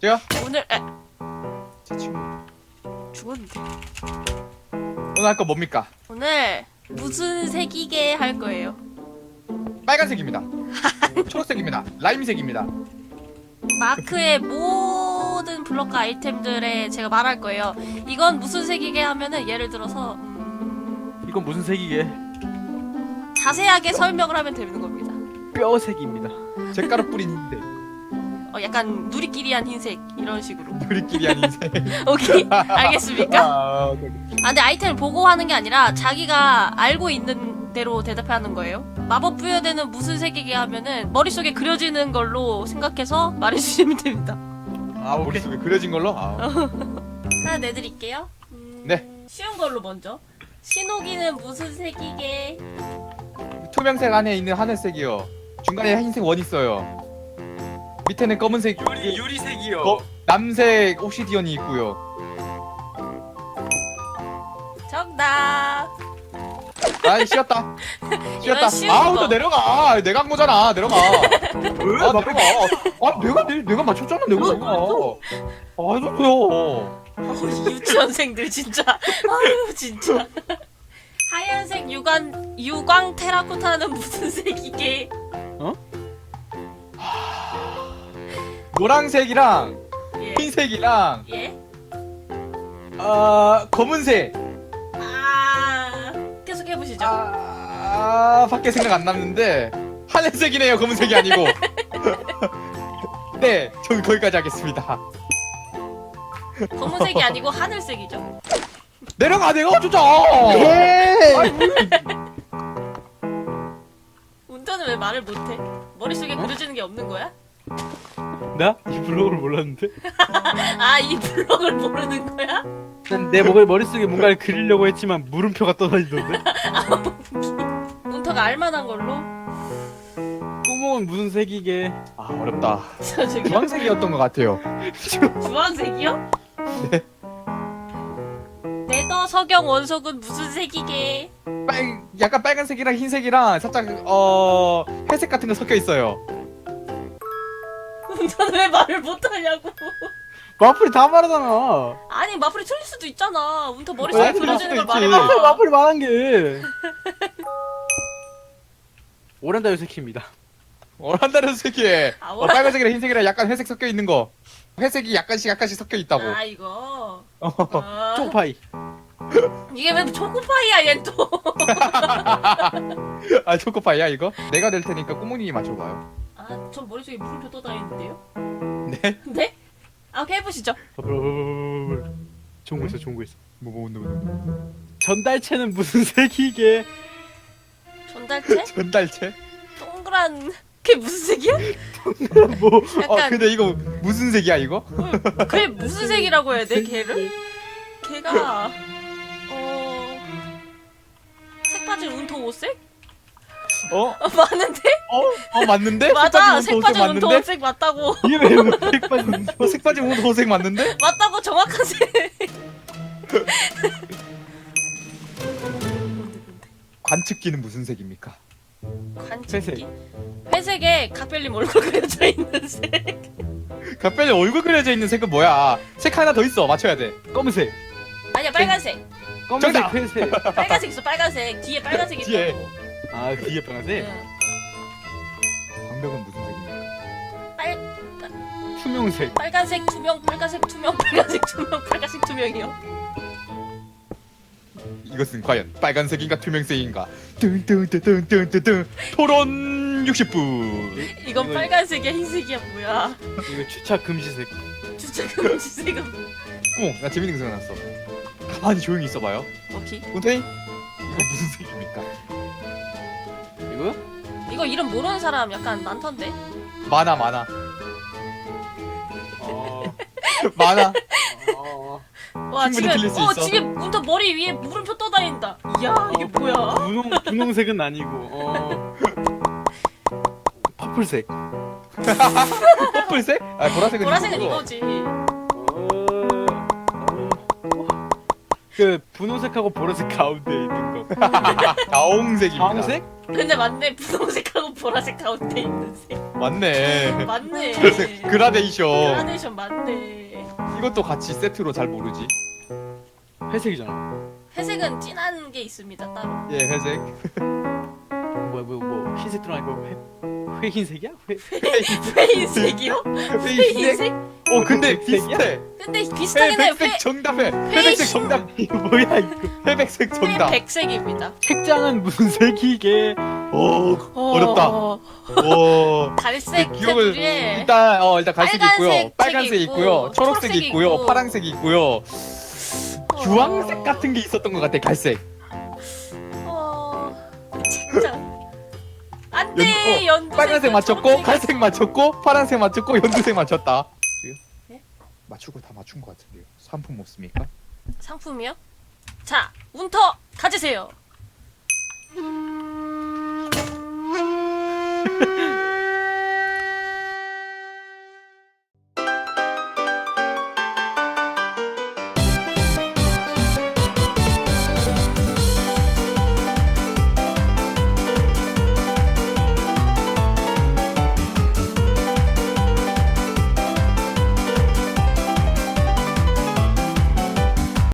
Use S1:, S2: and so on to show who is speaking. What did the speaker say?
S1: 시작할게요.
S2: 오늘
S1: 제 친구.
S2: 죽었는데.
S1: 오늘 할 거 뭡니까?
S2: 오늘 무슨 색이게 할 거예요?
S1: 빨간색입니다. 초록색입니다. 라임색입니다.
S2: 마크의 모든 블럭과 아이템들에 제가 말할 거예요. 이건 무슨 색이게 하면은 예를 들어서
S3: 이건 무슨 색이게?
S2: 자세하게 설명을 하면 되는 겁니다.
S3: 뼈색입니다.
S1: 잿가루 뿌린 흰색.
S2: 약간 누리끼리한 흰색 이런 식으로.
S1: 우리끼리 한 인생.
S2: 오케이, 알겠습니까?
S1: 오케이.
S2: 근데 아이템을 보고 하는 게 아니라 자기가 알고 있는 대로 대답하는 거예요. 마법 부여되는 무슨 색이게 하면은 머릿속에 그려지는 걸로 생각해서 말해주시면 됩니다.
S1: 오케이. 머릿속에 그려진 걸로?
S2: 하나 내드릴게요.
S1: 네.
S2: 쉬운 걸로 먼저. 신호기는 무슨 색이게?
S1: 투명색 안에 있는 하늘색이요. 중간에 흰색 원 있어요. 밑에는 검은색
S3: 유리색이요.
S1: 남색 옵시디언이 있고요.
S2: 정답.
S1: 아이 쉬었다.
S2: 이건 쉬운
S1: 아우
S2: 거.
S1: 너 내려가. 내가 한 거잖아. 내려가. 내려가. 내가 맞췄잖아. 내가. 해줬어요.
S2: 유치원생들 진짜. 아유 진짜. 하얀색 유광 테라코타는 무슨 색이게?
S1: 노란색이랑
S2: 예.
S1: 흰색이랑
S2: 예?
S1: 검은색.
S2: 계속 해보시죠.
S1: 밖에 생각 안 났는데 하늘색이네요. 검은색이 아니고. 네, 전 거기까지 하겠습니다.
S2: 검은색이 아니고 하늘색이죠.
S1: 내려가. 내가 어쩌자.
S2: 운전은 왜 말을 못해? 머릿속에 그려지는 게 없는 거야?
S3: 나? 이 블록을 몰랐는데?
S2: 이 블럭을 모르는 거야?
S3: 난 내 머릿속에 뭔가를 그리려고 했지만 물음표가 떠다니던데?
S2: 문터가 알만한 걸로?
S3: 구멍은 무슨 색이게?
S1: 어렵다.
S2: 저기
S1: 주황색이었던 것 같아요.
S2: 주황색이요?
S1: 네.
S2: 네더 석영 원석은 무슨 색이게?
S1: 약간 빨간색이랑 흰색이랑 살짝 회색 같은 거 섞여 있어요.
S2: 운전은 왜 말을 못하냐고.
S3: 마플이 다 말하잖아.
S2: 아니 마플이 틀릴 수도 있잖아. 운터 머릿속에
S1: 아니,
S2: 그려지는 걸
S1: 틀릴 수도 있지.
S2: 말해봐.
S3: 마플이 말한 게. 오렌다 요새키입니다.
S1: 오란다는 색이에
S2: 오란-
S1: 빨간색이랑 흰색이랑 약간 회색 섞여 있는 거. 회색이 약간씩 섞여 있다고.
S2: 이거.
S3: 초파이.
S2: 이게 왜 초코파이야 얘 또.
S1: 초코파이야 이거? 내가 낼 테니까 꼬몽님이 맞춰봐요.
S2: 전 머릿속에 물음표 떠다니는데요?
S1: 네?
S2: 네? 오케이 해보시죠.
S3: 좋은 거 있어, 좋은 거 있어.
S1: 뭐.
S3: 전달체는 무슨 색이게?
S2: 전달체?
S1: 전달체?
S2: 동그란 그게 무슨 색이야?
S3: 뭐?
S2: 약간
S1: 근데 이거 무슨 색이야 이거?
S2: 그게 무슨 색이라고 해야 돼 걔를? 걔가 색 빠진 운터 옷색? 맞는데?
S1: 맞는데?
S2: 맞아 색 빠진 운터
S1: 맞는데?
S2: 옷색 맞다고.
S3: 이게 왜색 빠진?
S1: 색 빠진 호색 맞는데?
S2: 맞다고 정확한 색.
S1: 관측기는 무슨 색입니까?
S2: 관측기? 회색에 각별님 얼굴 그려져 있는 색.
S1: 갑자기 얼굴 그려져 있는 색은 뭐야? 색 하나 더 있어. 맞춰야 돼.
S3: 검은색.
S2: 아니야 빨간색.
S3: 검은색,
S1: 정답!
S3: 회색.
S2: 빨간색 있어 빨간색. 뒤에 빨간색
S1: 뒤에.
S2: 있다고.
S3: 아, 뒤에 빨간색?
S2: 응.
S1: 광벽은 무슨 색입니까?
S3: 투명색.
S2: 빨간색 투명 빨간색 투명 빨간색 투명 빨간색 투명이요.
S1: 이것은 과연 빨간색인가 투명색인가? 뜬뜬뜬뜬뜬뜬 토론 60분.
S2: 이건 빨간색이야 흰색이야 뭐야.
S3: 이거 주차 금지색.
S2: 주차 금지색은
S1: 나 재밌는 거 생각났어. 가만히 조용히 있어봐요.
S2: 오케이.
S1: 운터이 이거 무슨 색입니까?
S3: 이거?
S2: 이거 이름 모르는 사람 약간 많던데.
S1: 많아. 많아.
S2: 와
S1: 충분히 틀릴 수 있어.
S2: 지금 운터 머리 위에 물음표 떠다닌다. 이야 이게 뭐야?
S3: 분홍색은 아니고. 퍼플색.
S1: 퍼플색? 보라색은
S2: 보라색은
S1: 이거고.
S2: 이거지.
S3: 그 분홍색하고 보라색 가운데 있는 거.
S1: 자홍색입니다.
S3: 자홍색?
S2: 근데 맞네 분홍색하고 보라색 가운데 있는 색.
S1: 맞네.
S2: 맞네.
S1: 그라데이션.
S2: 그라데이션 맞네.
S1: 이것도 같이 세트로 잘 모르지.
S3: 회색이잖아.
S2: 회색은 진한 게 있습니다 따로.
S1: 예, 회색.
S3: 뭐 흰색 들어가니까 회흰색이야?
S2: 회흰색이요? 회흰색?
S1: 어, 근데
S3: 회색이야?
S1: 비슷해.
S2: 근데 비슷하긴 해요.
S1: 회백색 정답해. 회백색
S2: 흰-
S1: 정답.
S3: 이거 뭐야 이거?
S1: 회백색 정답.
S2: 회백색입니다.
S3: 책장은 무슨 색이게?
S1: 오, 어렵다. 오.
S2: 갈색
S1: 기억을
S2: 테두리에
S1: 일단 갈색이
S2: 빨간색
S1: 있고요.
S2: 책이
S1: 빨간색이
S2: 있고,
S1: 있고요. 초록색이
S2: 초록색이
S1: 있고요.
S2: 있고.
S1: 파란색이 있고요. 주황색 같은 게 있었던 것 같아. 갈색.
S2: 책장. 안돼 연두색.
S1: 빨간색 맞췄고, 갈색 맞췄고, 파란색 맞췄고, 연두색 맞췄다.
S2: 네?
S1: 맞추고 다 맞춘 것 같은데요. 상품 없습니까?
S2: 상품이요? 자 운터 가지세요.